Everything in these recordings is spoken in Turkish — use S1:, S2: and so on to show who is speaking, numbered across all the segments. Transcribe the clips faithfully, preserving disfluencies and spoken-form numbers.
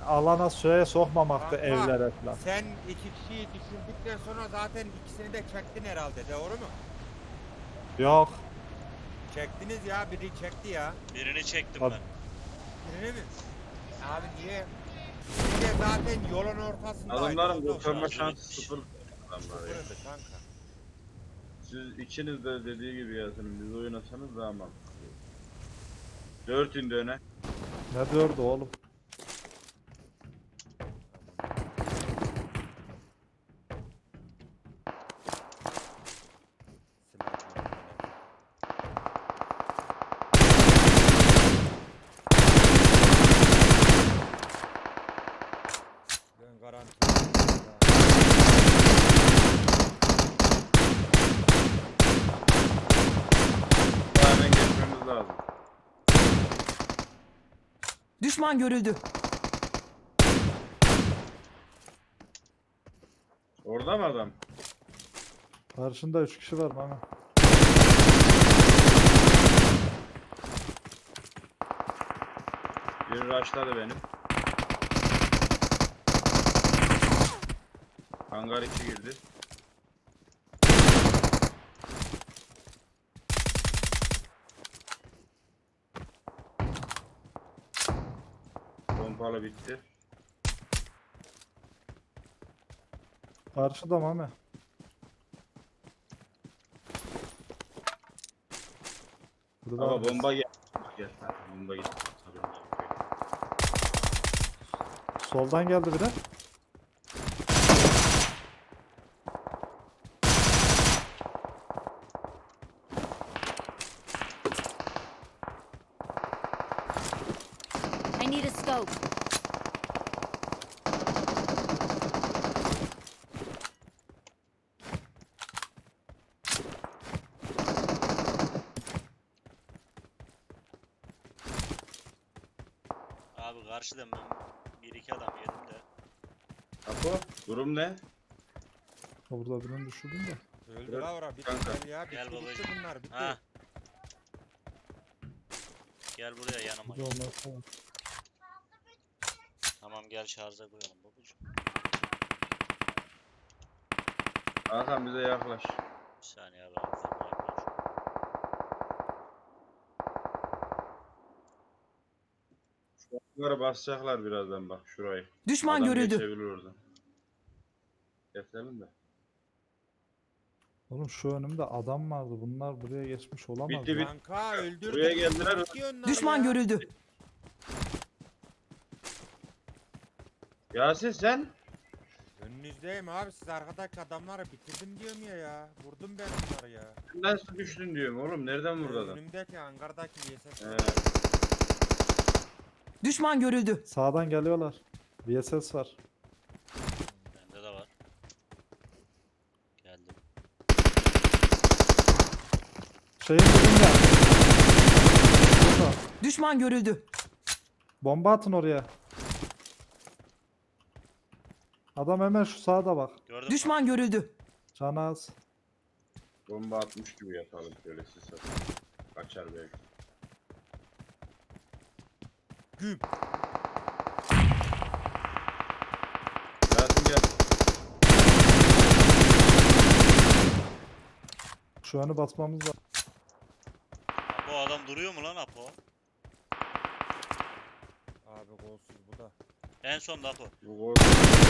S1: alana şeye sokmamaktı
S2: Kanka,
S1: evlere falan.
S2: sen iki kişiyi düşürdükten sonra zaten ikisini de çektin herhalde, doğru mu?
S1: Yok.
S2: Çektiniz ya, biri çekti ya.
S3: Birini çektim
S1: Abi,
S3: ben.
S2: Birini mi? Abi niye? Bir de zaten yolun ortasındaydı.
S4: Adamların
S2: o da
S4: kurtarma
S3: Şarjı
S4: şansı
S3: bitmiş.
S4: sıfır. Adamlar ya.
S2: Sıfırdı kanka.
S4: Siz ikiniz de dediği gibi yazın. Biz oynasanız daha mantıklı. Dört indi öne.
S1: ne diyordu oğlum?
S2: Ben garanti.
S4: Daha hemen geçmemiz lazım.
S5: Düşman görüldü.
S4: Orada mı adam?
S1: Karşında üç kişi var bana.
S4: Biri rushladı benim. Hangar içi girdi. Pompalı bitti.
S1: Karşıda Mami. Burada
S4: Ama bomba gel. Gel. Ha, bomba gitti.
S1: soldan geldi biri.
S6: I need a scope.
S3: Abi karşıdan ben bir iki adam yedim de.
S4: Apo, durum ne?
S1: Burada birini düşürdüm de.
S2: Öldü
S4: Evet,
S2: la ora, bitti
S4: kanka.
S2: gel ya, bitti,
S3: Gel
S2: bitti
S3: babacığım.
S2: bunlar, bitti.
S3: Ha. Gel buraya yanıma.
S1: Burada olmazsa var.
S3: Tamam gel şarja koyalım babacığım.
S4: Hakan bize yaklaş.
S3: Bir saniye abi. abi, ben yaklaşıyorum.
S4: Bunları basacaklar birazdan bak şurayı.
S5: Düşman
S4: Adam
S5: görüldü.
S4: geçebilir oradan. Keselim de.
S1: Oğlum şu önümde adam vardı. Bunlar buraya geçmiş olamaz.
S4: Bitti,
S1: ya.
S4: bitti.
S2: Kanka öldürdük.
S4: Buraya geldiler.
S2: Bitti onlar
S5: Düşman
S2: ya.
S5: görüldü.
S4: Yasin sen?
S2: Önünüzdeyim abi, siz arkadaki adamları bitirdim diyorum ya ya. Vurdum ben onları ya.
S4: Nasıl düştün diyorum oğlum. Nereden vurdu adam?
S2: Önümdeki hangardaki V S S.
S4: He.
S5: Düşman görüldü.
S1: Sağdan geliyorlar. V S S var.
S3: Bende de var. Geldim.
S1: Şeyin dibinde. Burada.
S5: Düşman görüldü.
S1: Bomba atın oraya. Adam hemen şu sağda bak.
S3: Gördün mü?
S5: Düşman görüldü.
S1: Canı az.
S4: Bomba atmış gibi yatalım şöyle siz satın. Kaçar belki.
S2: Güm.
S4: Yasin gel.
S1: Şu anı basmamız lazım.
S3: Apo adam duruyor mu lan Apo?
S2: Abi golsüz bu da.
S3: En son da Apo.
S4: Bu gol.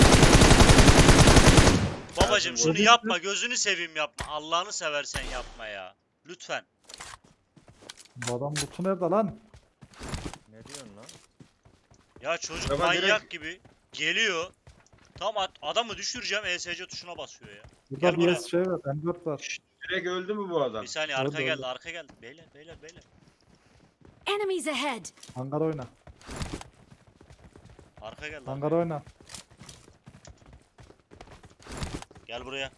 S3: Babacım
S4: Yasin,
S3: şunu
S1: gol-
S3: yapma, gözünü seveyim yapma. Allah'ını seversen yapma ya. Lütfen.
S1: Bu adam kutu nerede lan?
S2: Ne diyorsun lan?
S3: Ya çocuk
S4: Ama
S3: manyak
S4: direkt-
S3: gibi geliyor. Tam at- adamı düşüreceğim, E S C tuşuna basıyor ya.
S1: Burada
S3: Gel
S1: bir
S3: buraya.
S1: şey var. M dört var.
S4: Direkt öldü mü bu adam?
S3: Bir saniye
S1: Orada,
S3: arka geldi,
S1: orada.
S3: arka geldi. Beyler, beyler, beyler.
S6: Enemies ahead.
S1: Hangar oyna.
S3: Arka geldi.
S1: Hangar
S3: arka.
S1: oyna.
S3: Gel buraya.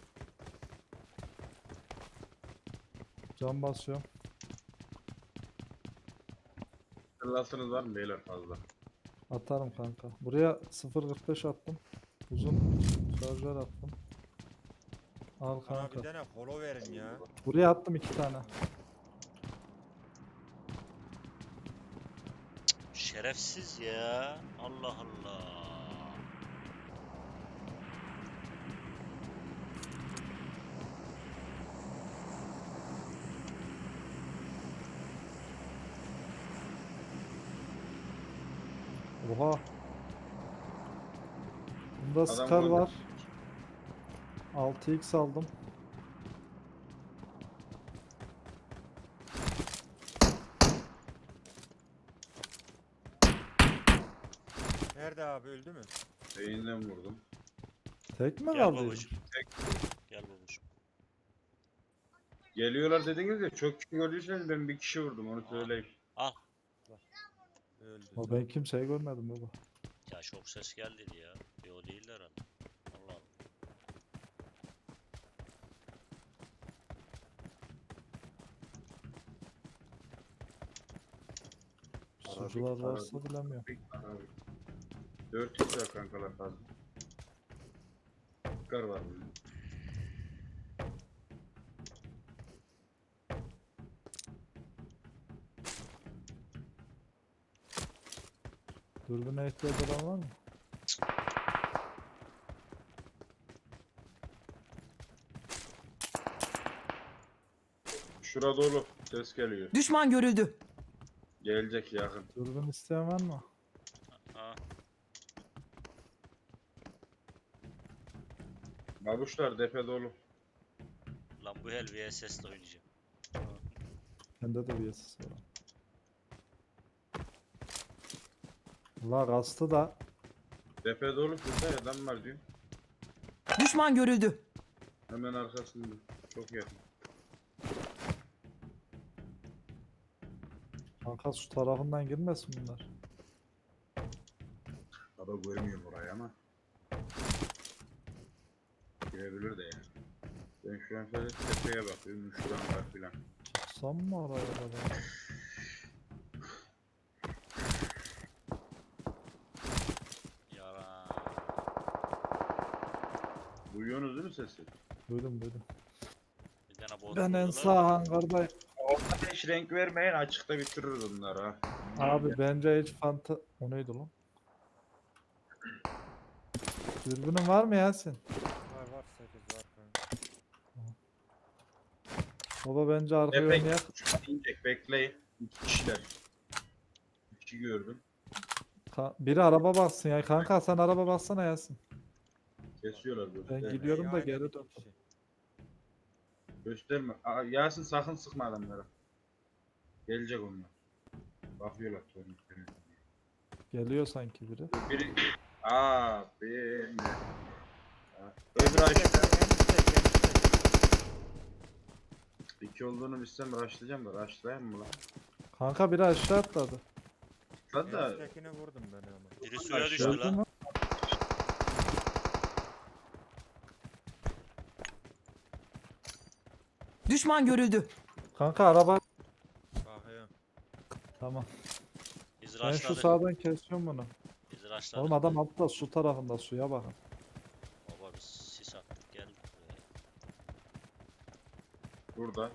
S1: Can basıyorum.
S4: Kırlasınız var mı beyler fazla?
S1: Atarım kanka. Buraya sıfır kırk beş attım. Uzun şarjör attım. Al
S2: Bana
S1: kanka.
S2: bir tane follow verin ya.
S1: Buraya attım iki tane.
S3: Şerefsiz ya. Allah Allah.
S1: Oha. Bunda
S4: Adam
S1: Scar
S4: golü.
S1: var. altı x aldım.
S2: Nerede abi, öldü mü?
S4: Beyinden vurdum.
S1: Tek mi
S3: Gel
S1: kaldı?
S3: babacım. Gel babacım.
S4: Geliyorlar dediniz ya, çok kişi gördüyseniz ben bir kişi vurdum, onu söyleyeyim.
S3: Al.
S2: Öldü.
S1: O ben kimseyi görmedim baba.
S3: Ya çok ses geldi dedi ya. E o değildi herhalde. Allah Allah.
S1: Sucular
S4: Arabik,
S1: varsa
S4: arabik.
S1: bilemiyorum.
S4: dört x var kankalar fazla. Kar var burada.
S1: Dürbüne ihtiyaç olan var mı?
S4: Şura dolu. Ses geliyor.
S5: Düşman görüldü.
S4: Gelecek yakın.
S1: Dürbün isteyen var mı?
S3: Ha.
S4: Babuşlar depe dolu.
S3: Lan bu hel V S S'le oynayacağım.
S1: Bende de bir S S var. La rastı da
S4: Depe dolu kızda adam var diyor.
S5: Düşman görüldü.
S4: Hemen arkasında. Çok yakın.
S1: kanka şu tarafından girmesin bunlar.
S4: Baba görmüyor burayı ama. Girebilir de yani. Ben şu an sadece tepeye bakıyorum. Şuran var filan.
S1: Çıksam mı araya kadar?
S3: Yara.
S4: Duyuyorsunuz değil mi sesi?
S1: Duydum duydum.
S3: Bir tane bot
S1: Ben en
S3: vurdular.
S1: sağ hangardayım.
S4: Ortada hiç renk vermeyin, açıkta bitiririz bunları ha.
S1: Abi bence hiç fanta... O neydi lan? Dürbünün var mı Yasin?
S2: Var var, sekiz var kanka.
S1: Baba bence arkaya
S4: Depe
S1: oynayak.
S4: inecek, bekleyin. İki kişiler. İki kişi gördüm.
S1: Ka- Biri araba bassın ya. Kanka sen araba bassana Yasin.
S4: Kesiyorlar böyle.
S1: Ben
S4: Evet.
S1: gidiyorum da
S2: Aynen
S1: geri
S2: iki
S1: dön.
S2: kişi.
S4: Gösterme. Aa, Yasin sakın sıkma adamlara. Gelecek onlar. Bakıyorlar torniklerine.
S1: Geliyor sanki biri.
S4: Biri... Aa, benim. Öbür aşağıda. İki olduğunu bilsem rushlayacağım da rushlayayım mı lan?
S1: Kanka biri aşağı atladı.
S4: Hadi da
S2: Eniştekini vurdum ben ama.
S3: Biri suya
S4: Aşağı.
S3: düştü
S1: Gördün
S3: lan.
S1: mü?
S5: Düşman görüldü.
S1: Kanka araba.
S2: Bakıyorum.
S1: Tamam.
S3: Biz
S1: Ben şu
S3: rushladık.
S1: sağdan kesiyorum bunu.
S3: Biz rushladık.
S1: Oğlum adam altta su tarafında suya bakın.
S3: Baba biz sis attık geldik buraya.
S4: burada.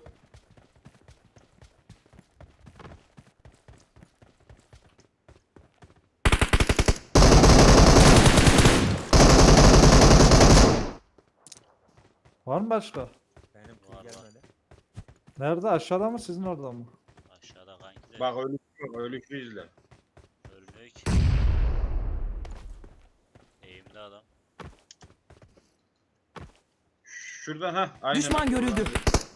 S1: Var mı başka?
S2: Benim
S3: Var, var.
S2: kız gelmedi.
S1: Nerede? Aşağıda mı sizin orada mı?
S3: Aşağıda kanki de
S4: Bak ölü yok, ölü izle.
S3: ölmüyor ki. Eğimli adam.
S4: Şuradan ha. Aynen.
S5: Düşman görüldü.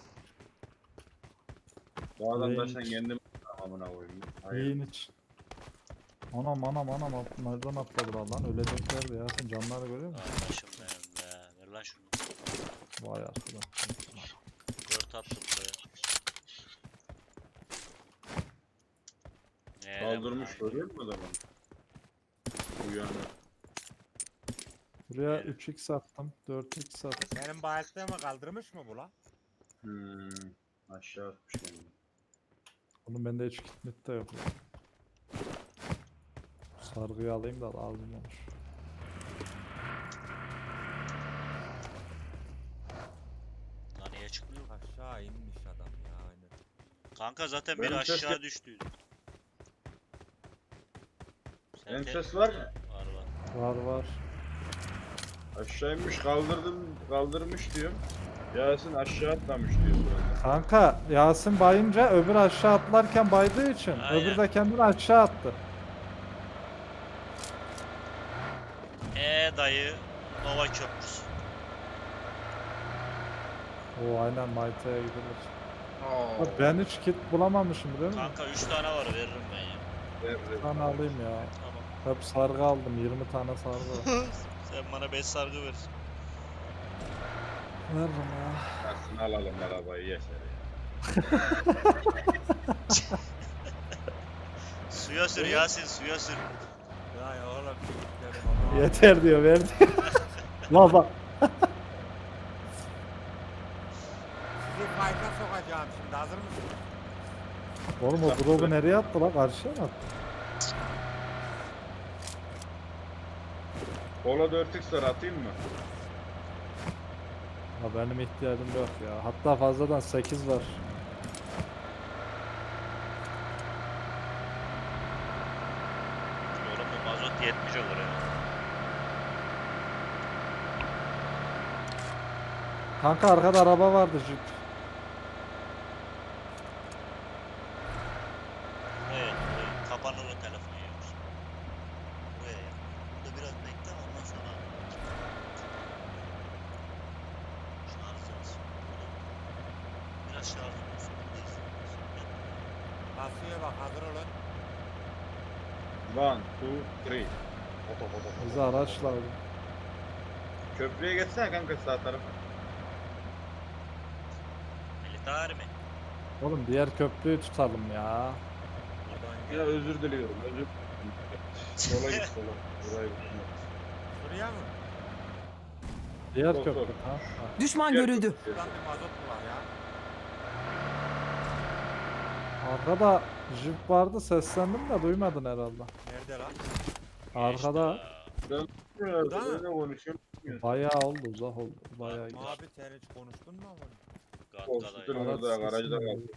S4: Bu adam da
S1: Neymiş?
S4: sen kendin amına koyayım. Hayır.
S1: Yiyin iç. Anam anam anam at- nereden atladılar lan? Öleceklerdi ya. Sen canları görüyor musun?
S3: Kardeşim benim be. Ver lan şunu.
S1: Vay arkadaş.
S3: Dört attım buraya. Ne
S4: Kaldırmış
S3: lan?
S4: görüyor musun adamı? Uyandı.
S1: Buraya
S3: Evet.
S1: üç x attım. dört x attım.
S2: Benim bayılttığımı kaldırmış mı bu lan?
S4: Hmm. Aşağı atmış kendini.
S1: Oğlum bende hiç kitmit de yok ya. Sargıyı alayım da lazım olur.
S3: Lan niye çıkmıyor?
S2: Aşağı inmiş adam ya, aynen.
S3: Kanka zaten
S4: Benim
S3: biri
S4: ses
S3: aşağı
S4: gel-
S3: düştüydü. Sen
S4: Benim
S3: te-
S4: ses var mı?
S3: Var var.
S1: Var var.
S4: Aşağıymış kaldırdım kaldırmış diyorum. Yasin aşağı atlamış diyor sonra.
S1: Kanka Yasin bayınca öbür aşağı atlarken baydığı için
S3: Aynen.
S1: öbür de kendini aşağı attı.
S3: E dayı Nova Köprüsü.
S1: O aynen Mayta'ya gidilir.
S4: Oo.
S1: Bak ben hiç kit bulamamışım biliyor musun?
S3: Kanka üç tane var veririm ben ya.
S4: Ver,
S1: Bir
S4: ver.
S1: tane alayım ya.
S3: Tamam.
S1: Hep sargı aldım. yirmi tane sargı var.
S3: Sen bana beş sargı ver.
S1: Veririm ya.
S4: Aslında alalım arabayı yeter ya.
S3: Suya sür Yasin, suya sür.
S2: Ya oğlum çocuklarım ama.
S1: Yeter diyor verdi. Baba.
S2: Sizi fayda sokacağım şimdi, hazır mısınız?
S1: Oğlum o drop'u nereye attı lan? Karşıya mı attı?
S4: Polo dört x atayım mı?
S1: Ha benim ihtiyacım yok ya. Hatta fazladan sekiz var.
S3: Oğlum bu mazot yetmiş olur ya.
S1: Kanka arkada araba vardı Jeep.
S3: Evet, evet. Kapanır o telefon yiyormuş. Buraya ya. Burada biraz bekle ondan sonra. Şarj olsun. Biraz şarj olsun. Buradayız.
S2: Basıyor bak, hazır olun.
S4: One, two, three. Oto, oto, oto.
S1: Bize araç lazım.
S4: Köprüye geçsene kanka sağ tarafa.
S3: Militer mi?
S1: Oğlum diğer köprüyü tutalım ya.
S2: Buradan
S4: Ya
S2: gel.
S4: özür diliyorum, özür Sola git sola. Burayı tutma.
S2: Şuraya mı?
S1: Diğer
S4: Sol,
S1: köprü.
S4: sol.
S1: Ha? ha.
S5: Düşman
S4: Gel
S5: görüldü.
S4: köprüye.
S2: Buradan bir mazot mu var ya?
S1: Arkada Jeep vardı seslendim de duymadın herhalde.
S2: Nerede lan?
S1: Arkada
S4: Ben
S2: Burada mı?
S4: ne konuşuyorum?
S1: bayağı oldu uzak oldu. Bayağı
S2: Fatma
S1: geçti.
S2: abi sen hiç konuştun mu ama?
S4: Korkutun
S3: Gatka'dayım.
S1: Araç
S4: orada,
S1: sesi
S4: garajda
S1: mi?
S4: kaldı.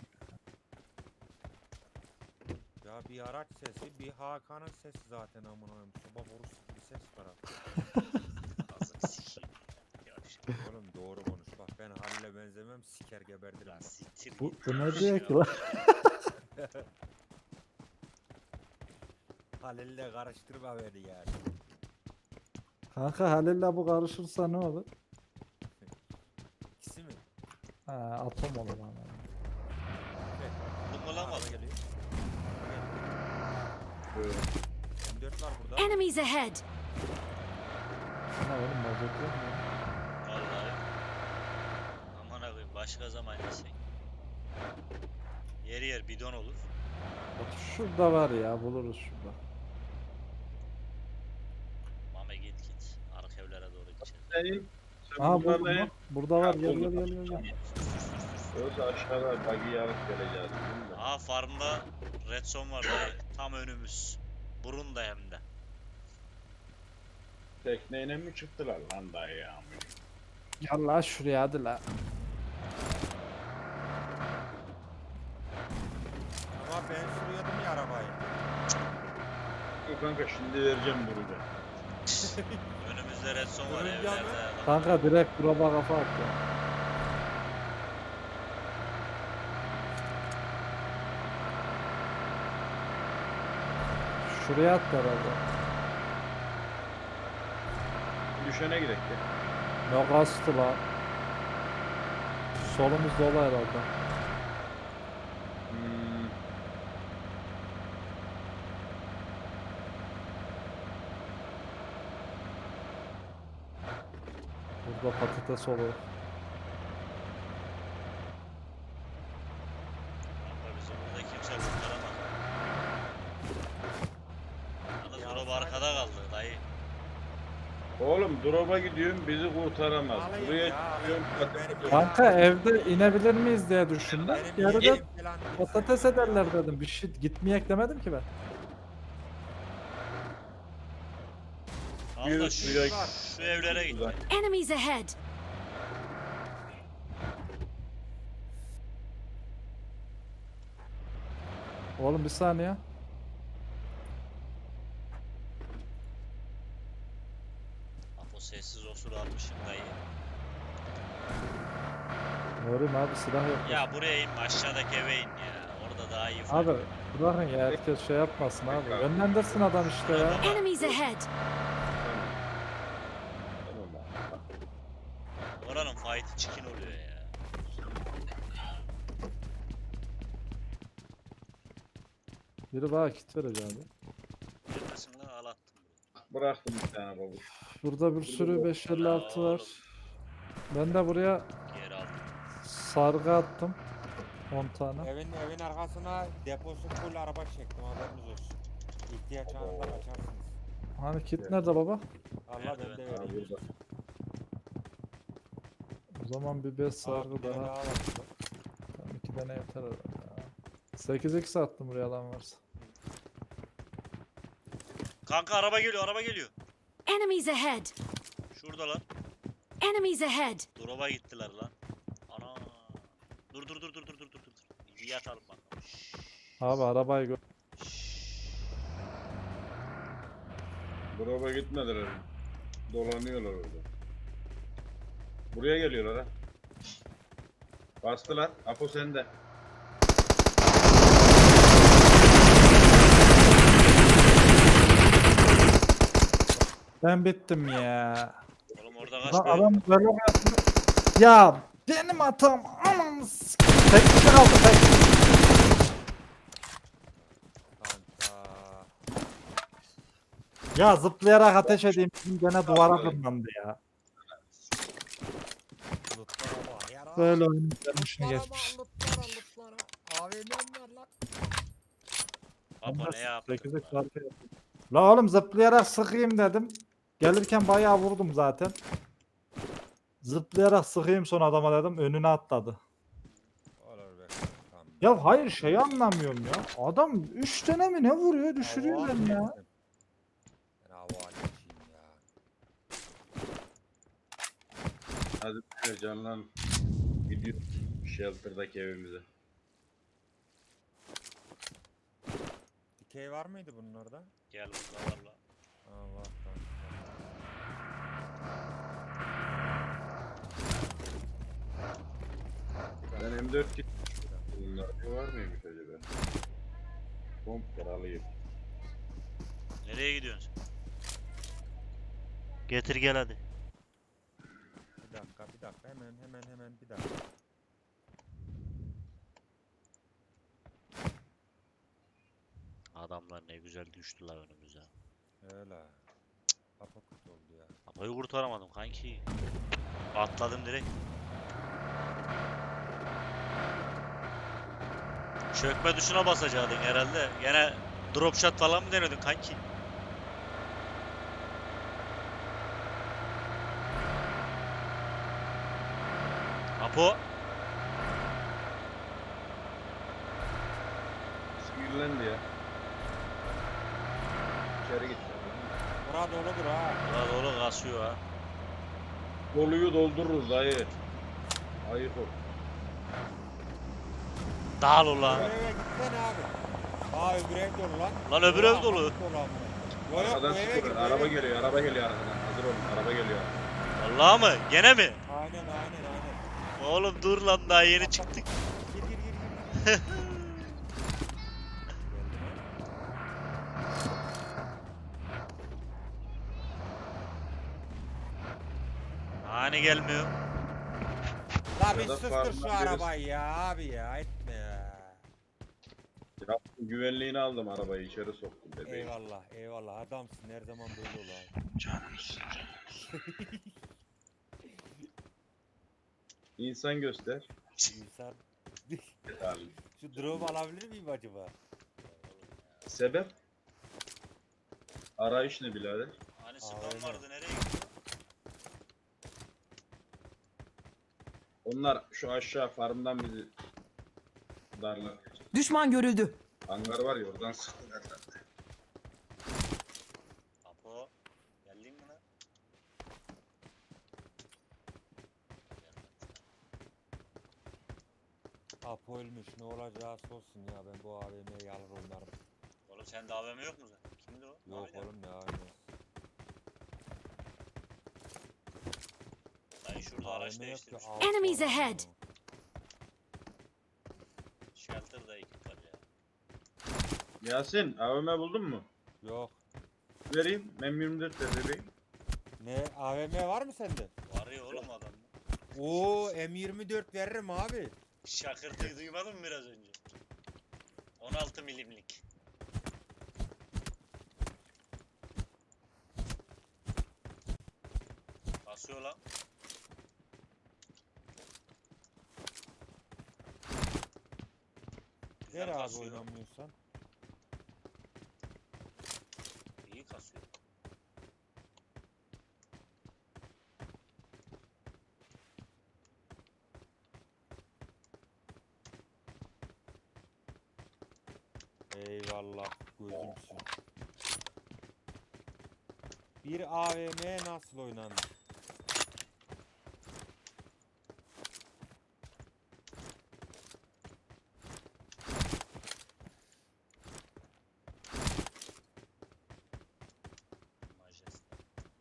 S2: Ya bir araç sesi, bir Hakan'ın sesi zaten amına koyayım. Soba borusu gibi ses var abi.
S3: Ağzını sikeyim. Yavşak.
S2: Oğlum doğru konuş bak, ben Halil'e benzemem, siker geberdirim.
S3: Lan siktir
S1: Bu,
S3: git.
S1: bu ne
S3: Yavşak.
S1: diyor ki lan?
S2: Halil'le karıştırma beni yani.
S1: Kanka Halil'le bu karışırsa ne olur?
S2: İkisi mi?
S1: Ha, atom olur ama.
S3: Buldun mu lan
S2: Araba
S3: mazot?
S2: geliyor.
S4: Böyle.
S2: M dört var burada.
S6: Enemies ahead!
S1: Ha oğlum mazot yok mu?
S3: Vallahi. Aman abi başka zaman yesek. Yer yer bidon olur.
S1: Bak şurada var ya buluruz şurada.
S3: Mame git git. Arka evlere doğru gideceğiz.
S4: Senin, sen
S1: Aha
S4: bunlarla
S1: buldum
S4: ne?
S1: bak. Burada var
S4: Ha,
S1: gel gel
S4: buldum.
S1: gel gel. gel.
S4: Yoksa aşağıda buggy yarıp geleceğiz. değil mi?
S3: Aha farmda red zone var dayı. Tam önümüz. Burun da hem de.
S4: Tekneyle mi çıktılar lan dayı ya?
S1: Gel la şuraya hadi la.
S2: Ama ben sürüyordum ya arabayı.
S4: Yok kanka şimdi vereceğim burada.
S3: Önümüzde red zone var
S2: Durun
S3: evlerde.
S2: yanı.
S3: adam.
S1: Kanka direkt drop'a kafa at ya. Şuraya at herhalde.
S4: Düşene gidelim.
S1: Ne kastı la. Solumuz dolu herhalde.
S4: Hmm.
S1: Burada patates olur.
S3: Kanka bizi burada kimse kurtaramaz. Yalnız
S2: Ya
S3: drop
S2: sen-
S3: arkada kaldı dayı.
S4: Oğlum drop'a gidiyorum bizi kurtaramaz.
S2: Alayım
S4: Buraya
S2: ya, alayım.
S4: gidiyorum
S2: Benim
S4: patates.
S1: Kanka evde inebilir miyiz diye düşündüm.
S2: Benim
S1: Yarıda
S2: yeğenim falan değil.
S1: patates ederler dedim. Bir şey gitmeyek demedim ki ben.
S3: Al da
S4: Yürü,
S3: şu,
S4: yürü.
S3: şu evlere git.
S4: Uzak.
S6: Enemies ahead!
S1: Oğlum bir saniye.
S3: Apo sessiz osur almışım dayı.
S1: Ne olayım abi silah yok.
S3: Ya buraya inme aşağıdaki eve in ya. Orada daha iyi.
S1: Abi bırakın ya herkes şey yapmasın abi. Önlendirsin adam işte ya.
S6: Enemies ahead!
S3: Oranın fight'ı çikin oluyor ya.
S1: Biri bana kit verecek abi.
S3: Neredesin lan? Al attım.
S4: Bıraktım bir tane babuş.
S1: Burada bir sürü beş elli altı var. Ben de buraya
S3: Geri aldım.
S1: sargı attım. on tane.
S2: Evin evin arkasına deposu full araba çektim, haberiniz olsun. İhtiyaç anında kaçarsınız.
S1: Hani kit nerede baba?
S2: Allah
S3: Nerede
S2: ben de
S3: ben?
S4: Ha
S2: vereyim.
S4: burada.
S1: O zaman bir beş
S2: Aa,
S1: sargı
S2: bir tane
S1: daha.
S2: daha var burada.
S1: Tamam, iki tane yeter herhalde ya. sekiz x attım buraya alan varsa.
S3: Kanka araba geliyor, araba geliyor.
S6: Enemies ahead!
S3: Şuradalar.
S6: Enemies ahead!
S3: Drop'a gittiler lan. Ana. Dur dur dur dur dur dur dur dur. İyi yatalım bakalım. Şşş.
S1: Abi arabayı gör.
S4: Drop'a gitmediler. Dolanıyorlar orada. Buraya geliyorlar ha. Bastılar. Apo sende.
S1: Ben bittim ya.
S3: Oğlum orada kaç
S1: Lan
S3: böyle?
S1: adam böyle yaptı. Ya benim hatam. Aman s- tek kişi kaldı tek.
S2: Kanka.
S1: Ya zıplayarak ateş edeyim. Bizim gene duvara tırmandı ya.
S2: Lootlara bak ya.
S1: Böyle oyunun gelmişini
S2: Lootlara
S1: geçmiş.
S2: bak, lootlara, lootlara. A V M'm var lan.
S3: Apo ne yaptın?
S1: sekiz x
S3: lan?
S1: arkaya yaptım. La oğlum zıplayarak sıkayım dedim. Gelirken bayağı vurdum zaten. Zıplayarak sıkayım son adama dedim. Önüne atladı.
S2: Olur be. Tamam.
S1: Ya hayır şey anlamıyorum ya. Adam üç tane mi ne vuruyor düşürüyor
S2: Hava
S1: beni ya.
S2: alayım. Ben hava alayım ya.
S4: Hadi böyle canlan. Gidiyor shelter'daki evimize.
S2: Dikey var mıydı bunlarda?
S3: Gel burada var lan.
S2: Aa var tamam.
S4: Ben M dört kit. Bunlar var mıymış acaba? Pomp alayım.
S3: Nereye gidiyorsun sen? Getir gel hadi.
S2: Bir dakika bir dakika hemen hemen hemen bir dakika.
S3: Adamlar ne güzel düştüler önümüze.
S2: Öyle. Kapı kötü oldu ya.
S3: Apo'yu kurtaramadım kanki. Atladım direkt. Çökme tuşuna basacaktın herhalde. Gene drop shot falan mı denedin kanki? Apo.
S4: Sinirlendi ya. İçeri git.
S2: Bura doludur ha.
S3: Burada dolu kasıyor ha.
S4: Doluyu doldururuz dayı. Ayıp ol.
S3: Dağıl
S2: Öbür
S3: ulan.
S2: eve gitsene abi. Aa öbür ev dolu lan.
S3: Lan öbür ev
S2: Ulan,
S3: dolu.
S2: dolu amına. Yo yok bu
S4: Arkadan
S2: eve git.
S4: sıkıyor.
S2: bu
S4: Araba
S2: eve git.
S4: geliyor. Araba geliyor arkadan. Hazır olun. Araba geliyor.
S3: Vallahi mı? Gene mi?
S2: Aynen aynen aynen.
S3: Oğlum dur lan daha yeni çıktık.
S2: Gir gir gir gir.
S3: Hani gelmiyor.
S2: La bir
S4: Ya da
S2: sustur
S4: farkına
S2: şu
S4: birisi-
S2: arabayı ya abi ya etme ya.
S4: Yaptım güvenliğini aldım arabayı içeri soktum dedi.
S2: Eyvallah eyvallah adamsın her zaman böyle ol abi.
S4: Canımsın. İnsan göster.
S2: İnsan.
S4: Yeterli.
S2: Şu drone alabilir miyim acaba?
S4: Sebep? Arayış ne birader?
S3: Hani
S2: Aa,
S3: spam
S2: öyle.
S3: vardı nereye gitti?
S4: Onlar şu aşağı farmdan bizi darlar.
S5: Düşman görüldü.
S4: Hangar var ya oradan sıktılar.
S3: Apo. Geldin mi lan?
S2: Apo ölmüş ne olacağı olsun ya ben bu A V M'yi alır oynarım.
S3: Oğlum sende A V M yok mu zaten? Kimdi o?
S2: Yok
S3: Ahmet abi.
S2: oğlum ne A V M'si.
S3: Dayı şurada araç
S2: A V M yok ki,
S3: değiştirmiş.
S2: altı
S6: Enemies
S2: var
S6: ahead.
S2: ya.
S3: Shelter'da ekip var ya.
S4: Yasin A V M buldun mu?
S2: Yok.
S4: Vereyim. M yirmi dört de vereyim.
S2: Ne A V M var mı sende?
S3: Var ya oğlum adam.
S2: Oo M yirmi dört veririm abi.
S3: Şakırtıyı duymadın mı biraz önce? on altı milimlik. Basıyor lan.
S2: Ver
S3: Güzel
S2: abi
S3: kasıyor.
S2: oynamıyorsan.
S3: İyi kasıyor.
S2: Eyvallah gözümsün. Bir A V M nasıl oynanır?
S3: Majeste.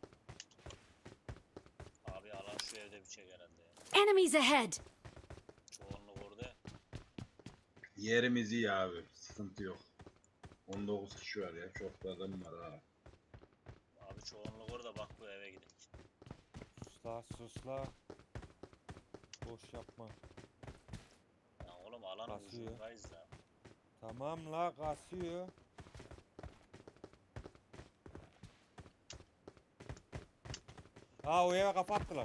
S3: Abi alan şu evde bir çek herhalde ya.
S6: Enemies ahead!
S3: Çoğunluk orada ya.
S4: Yerimiz iyi abi. Sıkıntı yok. on dokuz kişi var ya. Çok da adam var ha.
S3: Abi çoğunluk orada, bak bu eve gidelim.
S2: Susla susla. Boş yapma.
S3: Ya oğlum alan
S2: Kasıyor.
S3: ucundayız ya.
S2: Tamam la kasıyor. Aa o eve kapattılar.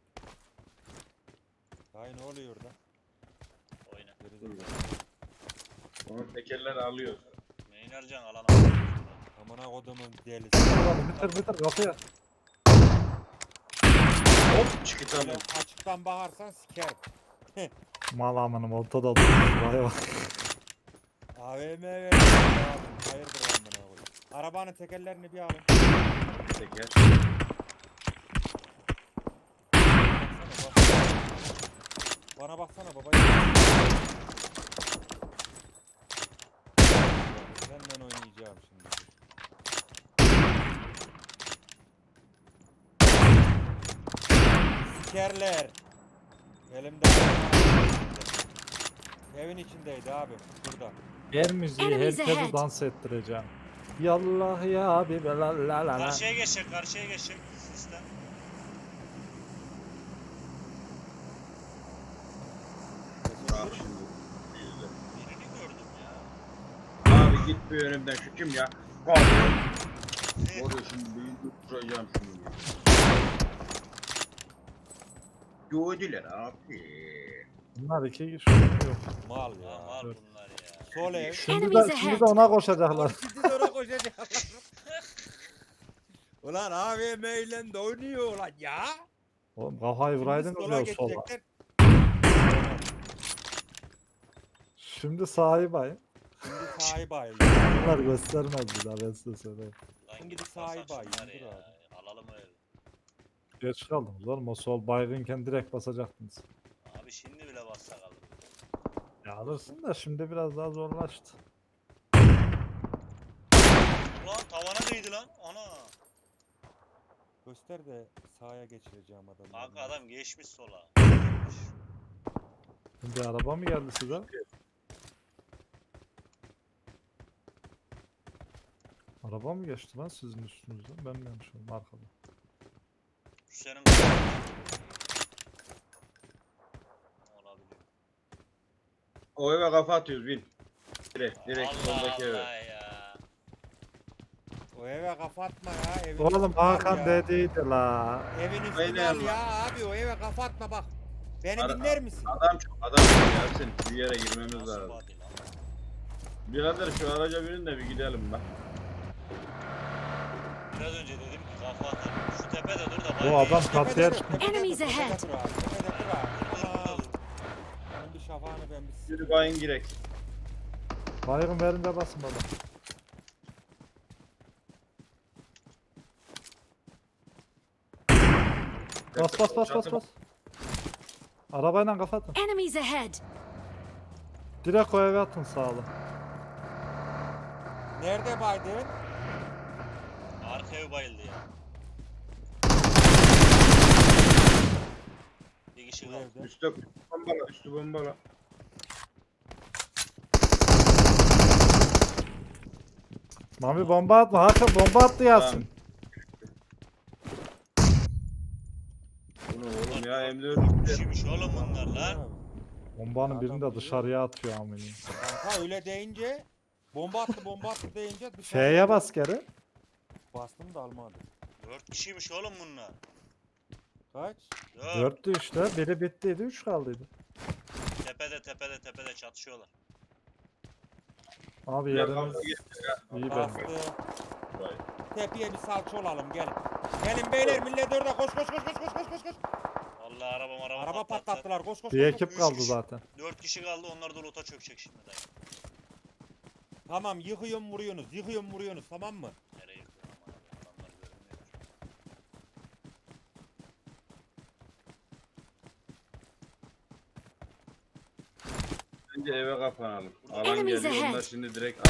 S2: Ay ne oluyor orada?
S3: Oyna.
S2: Gerizekalı.
S4: Onun tekerleri alıyor.
S3: Meynarcan alana.
S2: Amına kodumun delisi.
S1: Ulan bitir bitir kapıya.
S4: Hop çıkı
S2: Böyle
S4: tamam.
S2: açıktan bakarsan sikerim.
S1: Mal amanım ortada durmuş. Vay bak.
S2: A V M ver. Hayırdır amına koyayım. Arabanın tekerlerini bir alın.
S4: Teker.
S2: Baksana bak. Bana baksana baba. Senden oynayacağım şimdi. Sikerler. Elimde. Evin içindeydi abi. Burada.
S1: Yer müziği
S6: Enemies
S1: herkese
S6: ahead.
S1: dans ettireceğim. Yallah ya abi la la la la.
S3: Karşıya geçecek, karşıya geçecek sistem.
S4: Bak şimdi. İzle.
S3: Birini gördüm ya.
S4: Abi git bir önümden, şu kim ya? Abi. Oraya şimdi bir tutturacağım şunu. Gördüler abi.
S1: Bunlar iki kişi yok.
S2: Mal
S3: Ya
S2: ya.
S3: mal
S1: Dur.
S3: bunlar ya.
S2: Sol ev.
S1: Şimdi
S6: Enemies
S1: de, şimdi
S6: ahead.
S1: de ona koşacaklar.
S2: Şimdi de ona koşacaklar. Ulan A V M ile de oynuyor ulan ya.
S1: Oğlum kafayı
S2: Şimdi
S1: vuraydın
S2: sola
S1: diyor sola.
S2: geçecekler.
S1: Şimdi sahibi ay.
S2: Şimdi sahibi ayı.
S1: Bunlar göstermez bir daha ben size söyleyeyim.
S3: Lan
S2: Şimdi
S3: gidip
S2: sahibi
S3: basak
S2: ay,
S3: şunları
S2: dur
S3: ya.
S2: abi.
S3: Alalım öyle.
S1: Geç kaldınız oğlum, o sol baygınken direkt basacaktınız.
S3: Abi şimdi bile bassak alırım.
S1: Ya alırsın da şimdi biraz daha zorlaştı.
S3: Ulan tavana değdi lan. Ana.
S2: Göster de sağa geçireceğim adamı.
S3: Kanka adam geçmiş sola.
S1: Şimdi araba mı geldi size? Araba mı geçti lan sizin üstünüzden? Ben mi yanlış oldum arkada?
S3: Şu senin olabilir.
S4: O eve kafa atıyoruz, bin. Direkt, direkt
S3: Allah
S4: soldaki eve.
S3: Allah ya.
S2: O eve kafa atma ya. Evin
S1: Oğlum
S2: üstünü al
S1: Hakan
S2: ya.
S1: dediydi la.
S2: Evin üstünü
S4: Aynen.
S2: al ya abi. O eve kafa atma bak. Beni
S4: Ara-
S2: dinler misin?
S4: Adam çok, adam çok ya, sen bir yere girmemiz
S3: Nasıl
S4: lazım.
S3: body lan?
S4: Birader şu araca binin de bir gidelim bak.
S3: Biraz önce dedim ki kafa atar. Şu tepede dur da
S1: Bu
S3: bayrağı
S1: adam
S3: yesin.
S1: kapıya
S2: dur,
S1: çıkmış.
S2: tepede
S6: Enemies
S2: dur, tepede
S6: ahead.
S2: dur abi, tepede dur abi.
S3: Burada, burada
S2: Aman.
S3: dur.
S2: Ben bir şafağını ben bir
S4: Yürü bayın girek.
S1: Baygın verince basın baba. Bas bas bas bas bas. Arabayla kafa atın.
S6: Enemies ahead!
S1: Direkt o eve atın sağlı.
S2: Nerede Biden?
S3: Arka ev bayıldı ya. Bir kişi
S2: Bu
S3: kaldı.
S2: evde.
S4: Üstü bombala, üstü bombala.
S1: Mami bomba atma. Hakan bomba attı Yasin.
S4: Bunu oğlum oğlum ya. M dört
S3: Dört kişiymiş oğlum bunlar lan.
S2: Ya,
S1: Bombanın birini
S2: Adam
S1: de
S2: biliyor.
S1: dışarıya atıyor amirim.
S2: Kanka öyle deyince bomba attı bomba attı deyince dışarı
S1: F'ye bas geri.
S2: bastım da almadı.
S3: Dört kişiymiş oğlum bunlar.
S2: Kaç?
S3: Dört.
S1: Dörttü işte. Biri bittiydi. Üç kaldıydı.
S3: Tepede tepede tepede çatışıyorlar.
S1: Abi
S4: Ya
S1: yeriniz
S4: kavga
S1: iyi
S2: Bastı.
S1: ben.
S4: Vay.
S2: Tepeye bir salça olalım gelin. Gelin beyler millet orada koş koş koş koş koş koş koş koş.
S3: Vallahi araba araba,
S2: Araba patlattılar koş koş
S1: Bir
S2: koş. koş.
S1: ekip kaldı
S3: Üç kişi.
S1: zaten.
S3: Dört kişi kaldı, onlar da loot'a çökecek şimdi dayı.
S2: Tamam yıkıyorum vuruyorsunuz yıkıyorum vuruyorsunuz tamam mı?
S3: Nereye yıkıyor aman abi, adamlar görünmüyor.
S4: Bence eve kapanalım. Alan
S6: Enemies
S4: geliyor. Onlar
S6: ahead.
S4: şimdi direkt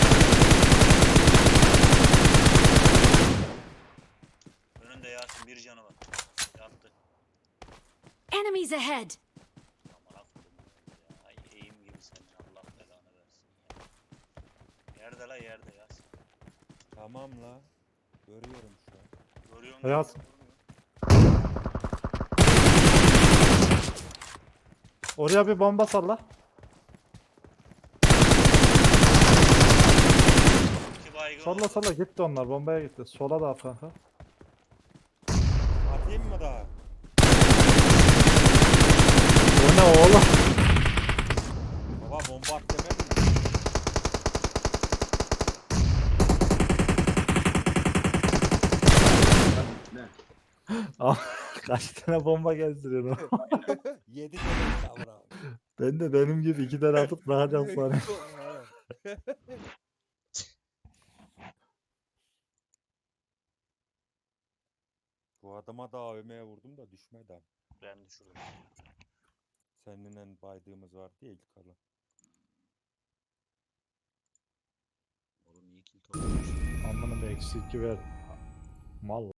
S3: Önünde Yasin bir canı var. Yattı.
S6: Enemies ahead.
S3: Aman aklım ya. Ay eğim gibi senin, Allah belanı versin ya. Yerde la yerde Yasin.
S2: Tamam la. Görüyorum şu an.
S3: Görüyor musun?
S1: Yasin. Oraya bir bomba salla.
S3: İki baygın
S1: Salla
S3: oldu.
S1: salla gitti onlar. Bombaya gitti. Sola da at kanka.
S2: Atayım mı daha?
S1: O ne oğlum?
S2: Baba bomba at demedim mi?
S4: ne?
S1: Kaç tane bomba gezdiriyorsun?
S2: Yedi tane kavra.
S1: Ben de benim gibi iki tane atıp bırakacağım sonra.
S2: Bu adama da A V M'ye vurdum da düşmedi.
S3: Ben düşürdüm.
S2: Seninle baydığımız vardı ya ilk kalan.
S3: Oğlum iyi kill toplamış.
S1: Amına da eksi iki ver. Mal.